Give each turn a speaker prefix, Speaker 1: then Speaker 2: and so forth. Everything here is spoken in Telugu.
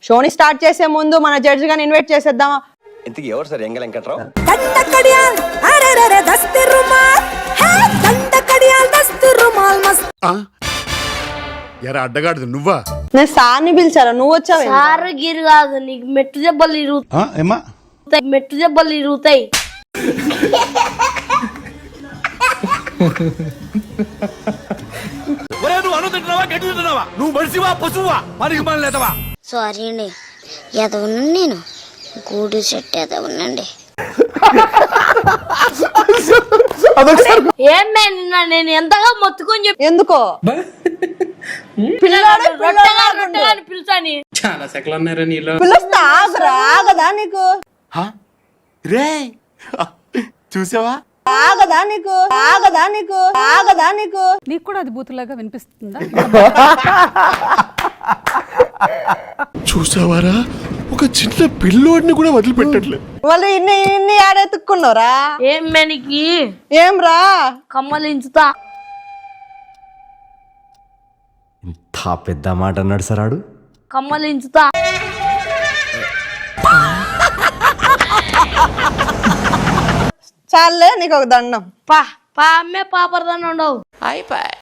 Speaker 1: షోని స్టార్ట్ చేసే ముందు మన జడ్జి గాని ఇన్వైట్ చేసేద్దామా?
Speaker 2: ఇంతకీ ఎవరు సార్ ఎంగ వెంకట్రావు?
Speaker 3: ఎరా అడ్డగాడు నువ్వా?
Speaker 1: నేను సార్ని పిలిచారా, నువ్వు వచ్చావు?
Speaker 4: సార్ గిరి కాదు, నీకు మెట్టు దెబ్బలు ఇరుగుతాయి, మెట్టు దెబ్బలు ఇరుగుతాయి.
Speaker 2: నువ్వు మనిషివా పశువా? పనికి మన లేదవా?
Speaker 5: సారీ అండి, ఎదవనండి నేను, గూడు చెట్టు ఎదవనండి.
Speaker 4: ఏం నిన్న నేను ఎంతగా మొత్తుకొని చెప్పి
Speaker 1: ఎందుకో పిల్లాడు
Speaker 4: రొట్టెగా పిలుచాని
Speaker 6: చాలా సెకలు ఉన్నారా నీలో?
Speaker 1: పిలుస్తా, ఆగదా నీకు?
Speaker 2: రే చూసావా?
Speaker 1: ఆగదా నీకు?
Speaker 7: నీకు కూడా అది బూతులాగా వినిపిస్తుందా?
Speaker 3: చూసావారా, ఒక చిన్న పిల్లోడిని కూడా వదిలిపెట్టట్లేదు.
Speaker 1: వాళ్ళు ఇన్ని ఆడెత్తుక్కున్నారా?
Speaker 4: ఏం మేనికి
Speaker 1: ఏం రా
Speaker 4: కమ్మలించుతా.
Speaker 2: ఇంత పెద్ద మాట అన్నాడు సార్ ఆడు.
Speaker 4: కమ్మలించుతా.
Speaker 1: చాలే నీకు ఒక దండం.
Speaker 4: పా అమ్మే పాపరదాన్ని ఉండవు.